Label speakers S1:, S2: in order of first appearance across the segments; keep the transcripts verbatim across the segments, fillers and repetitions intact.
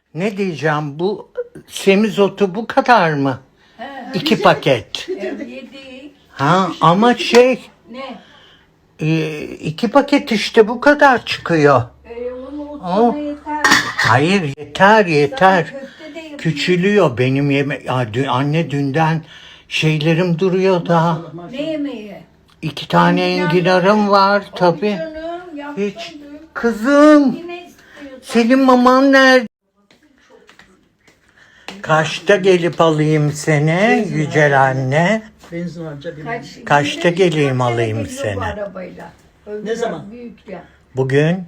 S1: Ne diyeceğim, bu semizotu bu kadar mı?
S2: He,
S1: İki paket.
S2: e, yedik.
S1: Ha ama şey
S2: Ne?
S1: e, iki paket işte bu kadar çıkıyor.
S2: E, onu
S1: Oh.
S2: sana yeter.
S1: Hayır yeter yeter.
S2: Sana köfte de yapayım.
S1: Küçülüyor benim yeme ya, dü- anne dünden şeylerim duruyor da.
S2: Ne yemeği?
S1: İki tane enginarım var tabi.
S2: Canım yaptım.
S1: Hiç. Kızım
S2: Yine istiyorsan.
S1: senin maman nerede? Kaçta gelip alayım seni Yücel anne?
S3: Benzin harca bir.
S2: Kaç,
S1: Kaçta
S2: yine
S1: geleyim
S2: kaç
S1: alayım
S2: kere geliyor bu
S1: seni?
S2: arabayla. Öbür
S3: Ne zaman?
S2: Büyük ya.
S1: Bugün?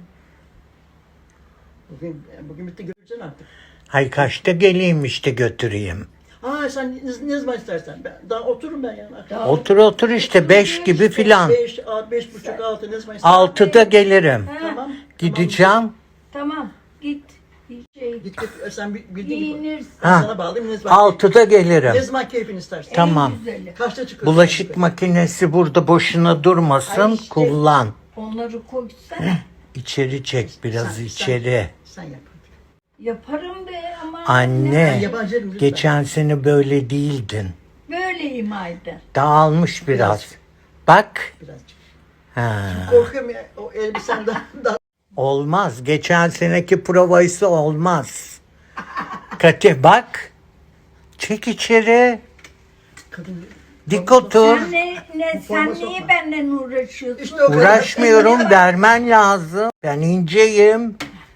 S3: Bugün, bugün bitti göreceksin artık.
S1: Hay kaçta geleyim işte götüreyim.
S3: Ha sen ne, ne zaman istersen. Ben, daha otururum ben yani.
S2: Daha
S1: Otur otur işte beş gibi filan.
S3: Beş, a- beş buçuk, altı ne zaman istersen.
S1: Altıda gelirim.
S2: Ha,
S3: Tamam.
S1: Gideceğim.
S2: Tamam git. Bir şey.
S3: Git git sen bi- bildiğin gibi.
S2: Giyinirsin.
S3: Ben
S1: Ha.
S3: sana bağlayayım ne zaman.
S1: Altıda
S3: Ne
S1: gelirim.
S3: zaman keyfin istersen.
S1: Tamam.
S2: En güzeli.
S3: Kaçta çıkıyorsun?
S1: Bulaşık makinesi burada boşuna durmasın.
S2: Ay işte.
S1: Kullan.
S2: Onları koysana.
S1: İçeri çek biraz
S3: Sen-
S1: içeri.
S3: Sen yap.
S2: Yaparım be ama.
S3: Ben
S1: Anne
S3: yabancı yerim lütfen.
S1: geçen sene böyle değildin.
S2: Böyleyim Aydın.
S1: Dağılmış biraz.
S3: Biraz.
S1: Bak.
S3: Birazcık.
S1: Ha.
S3: Korkuyorum ya o elbisen daha, daha
S1: Olmaz. Geçen seneki provaysa olmaz. Kati bak. Çek içeri.
S3: kadın.
S1: Dik otur.
S2: Sen ne, ne sen
S3: forma
S2: niye
S3: sokma.
S2: benden uğraşıyorsun?
S3: İşte o kadar.
S1: Uğraşmıyorum, vermen lazım. Ben inceyim.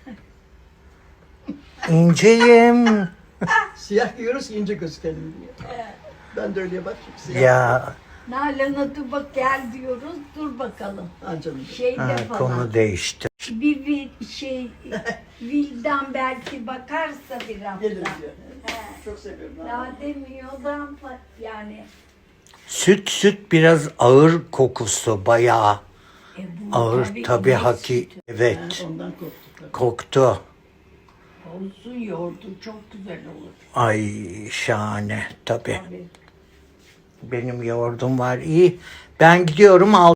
S1: İnceyim.
S3: Siyah giyiyoruz ki ince gözükelim diye. Ben de öyle bak. Siyah.
S1: Ya
S2: Nalan'a dur bak gel diyoruz. Dur bakalım.
S3: Ha canım.
S2: Şeyde
S1: ha,
S2: falan.
S1: konu değişti.
S2: Bir, bir şey Vildan belki bakarsa bir hafta.
S3: Gelirim diyor. Çok seviyorum.
S2: Daha demiyor da yani.
S1: Süt süt biraz ağır kokusu bayağı.
S2: E, bu
S1: Ağır tabii
S2: inek
S1: haki.
S2: sütü.
S1: Evet.
S3: Ondan korktuk. tabii.
S1: Koktu.
S2: Olsun yoğurdu çok güzel olur.
S1: Ay şahane tabii.
S2: Tabii.
S1: Benim yoğurdum var iyi. Ben gidiyorum al.